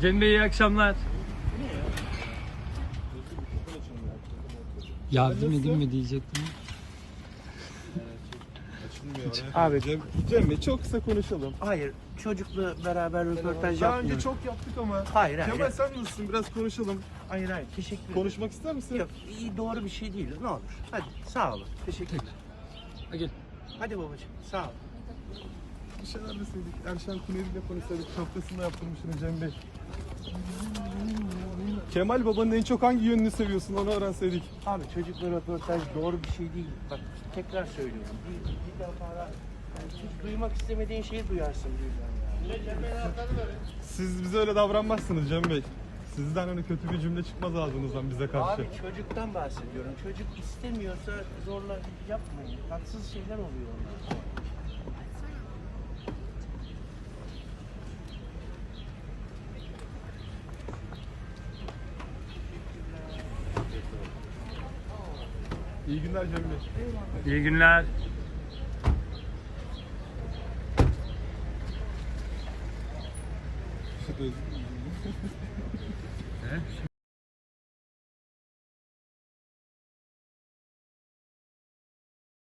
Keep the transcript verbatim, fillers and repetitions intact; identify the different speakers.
Speaker 1: Cem Bey iyi akşamlar. Yardım edeyim mi diyecektim.
Speaker 2: Abi
Speaker 3: Cem, Cem Bey çok kısa konuşalım.
Speaker 2: hayır, çocukla beraber röportaj
Speaker 3: Daha önce
Speaker 2: yapmıyoruz.
Speaker 3: çok yaptık ama.
Speaker 2: Hayır, hayır.
Speaker 3: Kemal sen nasılsın? Biraz konuşalım.
Speaker 2: Hayır hayır, teşekkür ederim.
Speaker 3: Konuşmak ister misin?
Speaker 2: Yok, iyi, doğru bir şey değil. Ne olur. Hadi, sağ olun. Teşekkürler.
Speaker 1: Ha, gel.
Speaker 2: Hadi babacığım, sağ ol.
Speaker 3: Bir şeyler deseydik. Erşen Kuneri ile konuşsaydık. Şapkasını yaptırmışsın Cem Bey. Kemal babanın en çok hangi yönünü seviyorsun onu öğrenseydik.
Speaker 2: Abi çocukla röportaj doğru bir şey değil. Bak tekrar söylüyorum. Bir, bir defa yani hiç duymak istemediğin şeyi duyarsın birden ya.
Speaker 3: Siz bize öyle davranmazsınız Cem Bey. Sizden öyle kötü bir cümle çıkmaz ağzınızdan bize karşı.
Speaker 2: Abi çocuktan bahsediyorum. Çocuk istemiyorsa zorla yapmayın. Tatsız şeyler oluyor onlar.
Speaker 3: İyi günler Cem Bey.
Speaker 1: İyi günler.
Speaker 3: Şu da-